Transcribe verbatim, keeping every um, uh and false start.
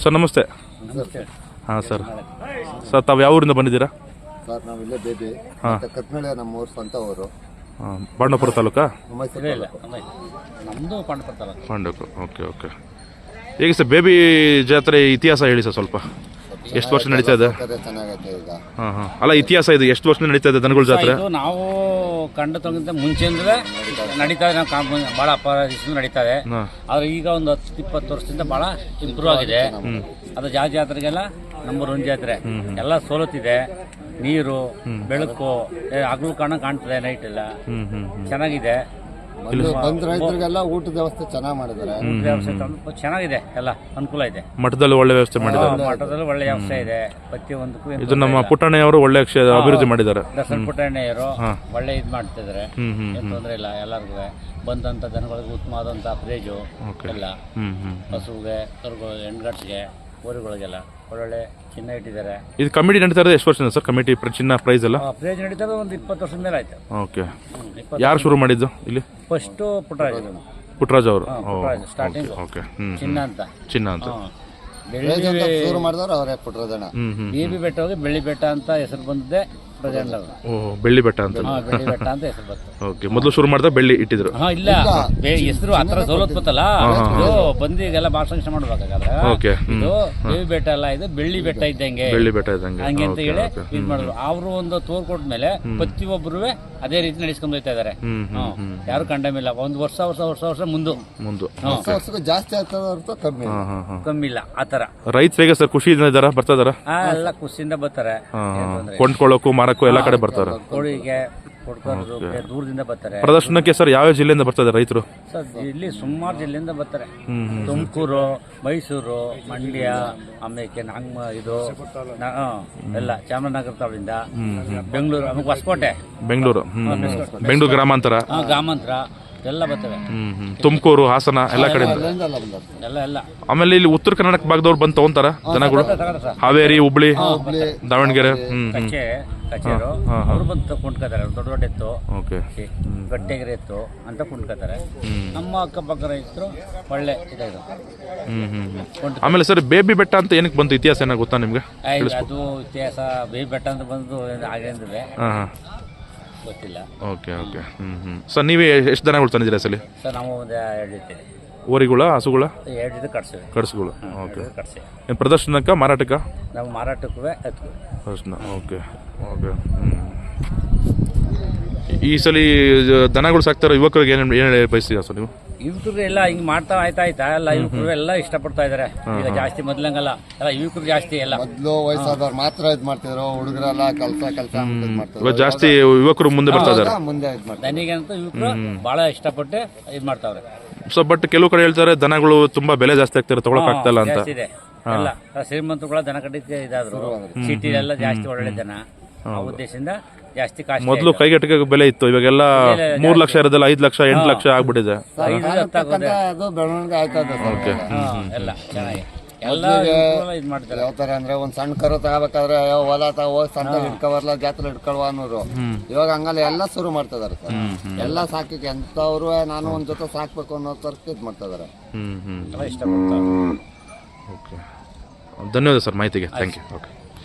Sir ನಮಸ್ತೆ. ನಮಸ್ತೆ. ಹಾಂ ಸರ್ ಸರ್ ತಾವು ಯಾವ ಊರಿಂದ ಬಂದಿದ್ದೀರಾ? ಸರ್ ನಾವು ಇಲ್ಲೇ ಬೇಬಿ ಹಾಂ ಕತ್ಮೇಳೆ ನಮ್ಮ ಊರು ಸ್ವಂತ ಊರು. ಹಾಂ ಬಾಂಡವಪುರ ತಾಲೂಕಾ? ನಮ್ಮದು ಪಾಂಡವಪುರ ತಾಲೂಕು. ಬಾಂಡವಪುರ. Okay okay. ಹೇಗೆ ಸರ್ ಬೇಬಿ ಜಾತ್ರೆ ಇತಿಹಾಸ ಹೇಳಿ ಸರ್ ಸ್ವಲ್ಪ. ಎಷ್ಟು ವರ್ಷ ನಡೀತಾ ಇದೆ? ಚೆನ್ನಾಗೈತೆ ಈಗ. ಹಾಂ ಹಾಂ ಅಲ್ಲ ಇತಿಹಾಸ ಇದು ಎಷ್ಟು ವರ್ಷ ನಡೀತಾ ಇದೆ ದನಗಳ ಜಾತ್ರೆ? ಇದು ನಾವು ಕಂಡು ತಗೊಂಡ ಮುಂಚೆಯಿಂದಲೇ ನಡೀತಾ ಇದೆ. ನಾವು ಕಾಂಪ ಭಾಳ ಅಪರಾಧಿಸಿಂದ ನಡೀತಾ ಇದೆ. ಆದರೆ ಈಗ ಒಂದು ಹತ್ತು ಇಪ್ಪತ್ತು ವರ್ಷದಿಂದ ಭಾಳ ಇಂಪ್ರೂವ್ ಆಗಿದೆ. ಅದು ಯಾವ ಜಾತ್ರೆಗೆಲ್ಲ ನಂಬರ್ ಒನ್ ಜಾತ್ರೆ. ಎಲ್ಲ ಸವಲತ್ತಿದೆ, ನೀರು ಬೆಳಕು ಹಗಲು ಕಾಣ ಕಾಣ್ತದೆ, ನೈಟ್ ಎಲ್ಲ ಚೆನ್ನಾಗಿದೆ. ಬಂದ ರೈತರಿಗೆಲ್ಲ ಊಟದ ವ್ಯವಸ್ಥೆ ಚೆನ್ನಾಗಿ ಮಾಡಿದ್ದಾರೆ. ಊಟದ ವ್ಯವಸ್ಥೆ ಚೆನ್ನಾಗಿದೆ, ಎಲ್ಲ ಅನುಕೂಲ ಇದೆ. ಮಠದಲ್ಲಿ ಒಳ್ಳೆ ವ್ಯವಸ್ಥೆ ಮಾಡಿದ್ದಾರೆ. ಮಠದಲ್ಲಿ ಒಳ್ಳೆ ವ್ಯವಸ್ಥೆ ಇದೆ ಪ್ರತಿಯೊಂದಕ್ಕೂ. ಇದು ನಮ್ಮ ಪುಟ್ಟಣ್ಣಯವರು ಒಳ್ಳೆ ಅಭಿವೃದ್ಧಿ ಮಾಡಿದ್ದಾರೆ. ದಸರಾ ಪುಟ್ಟಣ್ಣಯ್ಯರು ಒಳ್ಳೆ ಇದು ಮಾಡ್ತಿದ್ದಾರೆ, ಏನು ತೊಂದರೆ ಇಲ್ಲ. ಎಲ್ಲರಿಗೂ ಬಂದಂಥ ಜನಗಳಿಗೆ ಉತ್ತಮವಾದಂಥ ಪ್ರೈಜು ಎಲ್ಲ, ಹಸುಗೆ ಕರುಗಳು ಹೆಣ್ಗಟ್ಟಿಗೆ ಊರುಗಳಿಗೆಲ್ಲ ಒಳ್ಳೊಳ್ಳೆ ಚಿನ್ನ ಇಟ್ಟಿದ್ದಾರೆ. ಇದು ಕಮಿಟಿ ನಡೀತಾ ಇರೋದು ಎಷ್ಟು ವರ್ಷದಿಂದ ಸರ್? ಕಮಿಟಿ ಚಿನ್ನ ಪ್ರೈಸ್ ಎಲ್ಲ ಪ್ರೈಜ್ ನಡೀತಾ ಇರೋದು ಒಂದು ಇಪ್ಪತ್ತು ವರ್ಷದ ಮೇಲೆ ಆಯ್ತು. ಓಕೆ. ಯಾರು ಶುರು ಮಾಡಿದ್ದು ಇಲ್ಲಿ? ಫಸ್ಟು ಪುಟ್ಟರಾಜ್ ಪುಟ್ಟರಾಜ್ ಅವರು. Starting okay. ಚಿನ್ನ ಅಂತ ಚಿನ್ನ ಅಂತ ಶುರು ಮಾಡಿದವರು ಅವರೇ ಪುಟ್ಟರಾಜಣ್ಣ. ಬೇಬಿ ಬೆಟ್ಟ ಹೋಗಿ ಬೆಳ್ಳಿ ಬೆಟ್ಟ ಅಂತ ಹೆಸರು ಬಂದಿದೆ. ಓಹ್ ಬೆಳ್ಳಿ ಬೆಟ್ಟ ಅಂತ. ಬೆಳ್ಳಿ ಬೆಟ್ಟ ಅಂತ ಹೆಸರು ಬಂತು. ಓಕೆ. ಮೊದಲು ಶುರು ಮಾಡಿದ ಬೆಳ್ಳಿ ಇಟ್ಟಿದ್ರು. ಹಾ ಇಲ್ಲ, ಹೆಸರು ಆತರ ಸವಲತ್ತು ಗೊತ್ತಲ್ಲ, ಇದು ಬಂದು ಈಗೆಲ್ಲ ಭಾಷಣ ಮಾಡ್ಬೇಕಾದ್ರೆ ಓಕೆ. ಇದು ಬೇಬಿ ಬೆಟ್ಟ ಅಲ್ಲ, ಇದು ಬೆಳ್ಳಿ ಬೆಟ್ಟ ಇದ್ದಂಗೆ, ಬೆಳ್ಳಿ ಬೆಟ್ಟ ಇದ್ದಂಗೆ ಹಂಗೆ ಅಂತ ಹೇಳಿ ಇದು ಮಾಡಿದ್ರು. ಅವರು ಒಂದು ತೋರ್ ಕೊಟ್ಮೇಲೆ ಪ್ರತಿಯೊಬ್ಬರು ಅದೇ ರೀತಿ ನಡೆಸ್ಕೊಂಡು ಹೋಗ್ತಾ ಇದಾರೆ. ಯಾರು ಕಂಡಮಿಲ್ಲ. ಒಂದು ವರ್ಷ ವರ್ಷ ವರ್ಷ ವರ್ಷ ಮುಂದೆ ಮುಂದೆ ಜಾಸ್ತಿ ಆಗ್ತದ ಹೊರತು ಕಮ್ಮಿ ಕಮ್ಮಿ ಇಲ್ಲ. ಆತರ ರೈತರು ಹೇಗೆ ಸರ್ ಖುಷಿಯಿಂದ ಇದಾರ ಬರ್ತಾ ಇದಾರ? ಎಲ್ಲ ಖುಷಿಯಿಂದ ಬರ್ತಾರೆ, ಕೊಂಡ್ಕೊಳ್ಳೋಕು ಮಾರಕ್ಕೂ ಎಲ್ಲ ಕಡೆ ಬರ್ತಾರೆ. ಕೋಳಿಗೆ ದೂರದಿಂದ ಬರ್ತಾರೆ. ಪ್ರದರ್ಶನಕ್ಕೆ ಸರ್ ಯಾವ ಜಿಲ್ಲೆಯಿಂದ ಬರ್ತಾರೆ ರೈತರು? ಸರ್ ಇಲ್ಲಿ ಸುಮಾರು ಜಿಲ್ಲೆಯಿಂದ ಬರ್ತಾರೆ. ತುಮಕೂರು, ಮೈಸೂರು, ಮಂಡ್ಯ, ಆಮೇಲೆ ನಾಂಗ್ ಇದು ಎಲ್ಲ ಚಾಮರಾಜನಗರ ತಾಲೂಕಿಂದ, ಬೆಂಗಳೂರು, ಆಮೇಲೆ ಹೊಸಕೋಟೆ, ಬೆಂಗಳೂರು ಬೆಂಗಳೂರು ಗ್ರಾಮಾಂತರ ಗ್ರಾಮಾಂತರ ಎಲ್ಲ ಬರ್ತವೆ. ತುಮಕೂರು, ಹಾಸನ ಎಲ್ಲ ಕಡೆ ಎಲ್ಲ ಎಲ್ಲ ಆಮೇಲೆ ಇಲ್ಲಿ ಉತ್ತರ ಕರ್ನಾಟಕ ಭಾಗದವ್ರು ಬಂದು ತಗೊಂತಾರ ಜನಗಳು? ಹಾವೇರಿ, ಹುಬ್ಳಿ, ದಾವಣಗೆರೆ, ಕಚೆ ಕಚೇರು ಅವರು ಬಂದು ಕೊಂಡ್ಕೋತಾರೆ. ದೊಡ್ಡ ದೊಡ್ಡ ಎತ್ತು, ಗಟ್ಟೆಗೆರೆ ಎತ್ತು ಅಂತ ಕೊಂಡ್ಕೋತಾರೆ. ನಮ್ಮ ಅಕ್ಕಪಕ್ಕ ರೈತರು ಒಳ್ಳೆ ಇದಾಯ್ತು. ಆಮೇಲೆ ಸರ್ ಬೇಬಿ ಬೆಟ್ಟ ಅಂತ ಏನಕ್ಕೆ ಬಂತು? ಇತಿಹಾಸ ಏನಾಗ ಗೊತ್ತಾ ನಿಮ್ಗೆ? ಅದು ಇತಿಹಾಸ ಬೇಬಿ ಬೆಟ್ಟ ಅಂತ ಬಂದು ಆಗಿಂದ್ರೆ ಗೊತ್ತಿಲ್ಲ. Okay okay. ಹ್ಮ್ ಹ್ಮ್ ಸರ್ ನೀವೇ ಎಷ್ಟು ದನಗಳು ತಂದಿದ್ದೀರಾ ಸಲ? ಸರ್ ನಾವು ಒಂದು ಎರಡು ಜೊತೆ ಓರಿಗಳ, ಹಸುಗಳ? ಎರಡು ಜೊತೆ ಕಟ್ಸಿವಿ. ಕಟ್ಸುಗಳು. ಓಕೆ. ಕಟ್ಸಿ ಏನು ಪ್ರದರ್ಶನಕ್ಕ, ಮಾರಾಟಕ್ಕ? ನಾವು ಮಾರಾಟಕ್ಕೂ ಎತ್ತು ಪ್ರದರ್ಶನ. Okay okay. ಹ್ಮ್ ಈ ಸಲ ದನಗಳು ಸಾಕ್ತಾರೋ ಯುವಕರಿಗೆ ಏನು ಏನು ಹೇಳಿ ಬಯಸ್ತೀರಾ ಸರ್ ನೀವು? ಯುವಕರು ಎಲ್ಲ ಹಿಂಗ್ ಮಾಡ್ತಾ ಆಯ್ತಾ ಆಯ್ತಾ ಎಲ್ಲ ಯುವಕರು ಎಲ್ಲ ಇಷ್ಟಪಡ್ತಾ ಇದಾರೆ ಈಗ. ಜಾಸ್ತಿ ಮೊದ್ಲಂಗಲ್ಲ, ಎಲ್ಲ ಯುವಕರು ಜಾಸ್ತಿ. ಎಲ್ಲ ಮೊದಲು ವಯಸ್ಸಾದವ್ರು ಮಾತ್ರ ಇದ್ ಮಾಡ್ತಿದ್ರು, ಹುಡುಗರೆಲ್ಲ ಕೆಲಸ ಕೆಲಸ ಮಾಡ್ತಿದ್ರು. ಜಾಸ್ತಿ ಯುವಕರು ಮುಂದೆ ಬರ್ತಾ ಇದಾರೆ. ಮುಂದೆ ಇದ್ ಮಾಡ್ತಾರೆ. ದನಿಗಂತೂ ಯುವಕರು ಬಹಳ ಇಷ್ಟಪಟ್ಟು ಇದ್ ಮಾಡ್ತಾವ್ರೆ. ಸೊ ಬಟ್ ಕೆಲವು ಕಡೆ ಹೇಳ್ತಾರೆ ದನಗಳು ತುಂಬಾ ಬೆಲೆ ಜಾಸ್ತಿ ಆಗ್ತಾರೆ, ತಗೊಳಕ್ ಆಗ್ತಾ ಇಲ್ಲ ಅಂತ. ಇದೆ ಎಲ್ಲ ಶ್ರೀಮಂತರುಗಳ ದನ ಕಟ್ಟಿಗೆ ಇದಾದ್ರು, ಸಿಟಿ ಎಲ್ಲ ಜಾಸ್ತಿ ಒಳ್ಳೆ ದನ, ಆ ಉದ್ದೇಶದಿಂದ ಜಾಸ್ತಿ ಕಾಸ್ಟ್. ಮೊದಲು ಕೈಗೆಟಕ ಬೆಲೆ ಇತ್ತು, ಇವಾಗೆಲ್ಲ ಮೂರ್ ಲಕ್ಷ ಇರೋದಲ್ಲ ಐದ್ ಲಕ್ಷ ಎಂಟು ಲಕ್ಷ ಆಗ್ಬಿಟ್ಟಿದೆ. ಎಲ್ಲ ಚೆನ್ನಾಗಿ ಯಾವ ತರ ಅಂದ್ರೆ ಒಂದ್ ಸಣ್ಣ ಕರು ತಗೋಬೇಕಾದ್ರೆ ಹೊಲ ತಗ ಹೋಗಿ ಸಣ್ಣ ಹಿಡ್ಕೊಬರ್ಲ ಜಾತ್ರೆ ಹಿಡ್ಕೊಳ್ವ ಅನ್ನೋರು. ಇವಾಗ ಹಂಗಲ್ಲ, ಎಲ್ಲ ಶುರು ಮಾಡ್ತಾ ಇದಾರೆ ಸರ್. ಎಲ್ಲ ಸಾಕಿಗೆ ಎಂತವ್ರು ನಾನು ಒಂದ್ ಜೊತೆ ಸಾಕ್ಬೇಕು ಅನ್ನೋ ತರ್ಕ ಇದ್ ಮಾಡ್ತಾ ಇದಾರೆ. ಇಷ್ಟಪಡ್ತಾರೆ. ಧನ್ಯವಾದ ಸರ್ ಮಾಹಿತಿಗೆ. Thank you. ಓಕೆ.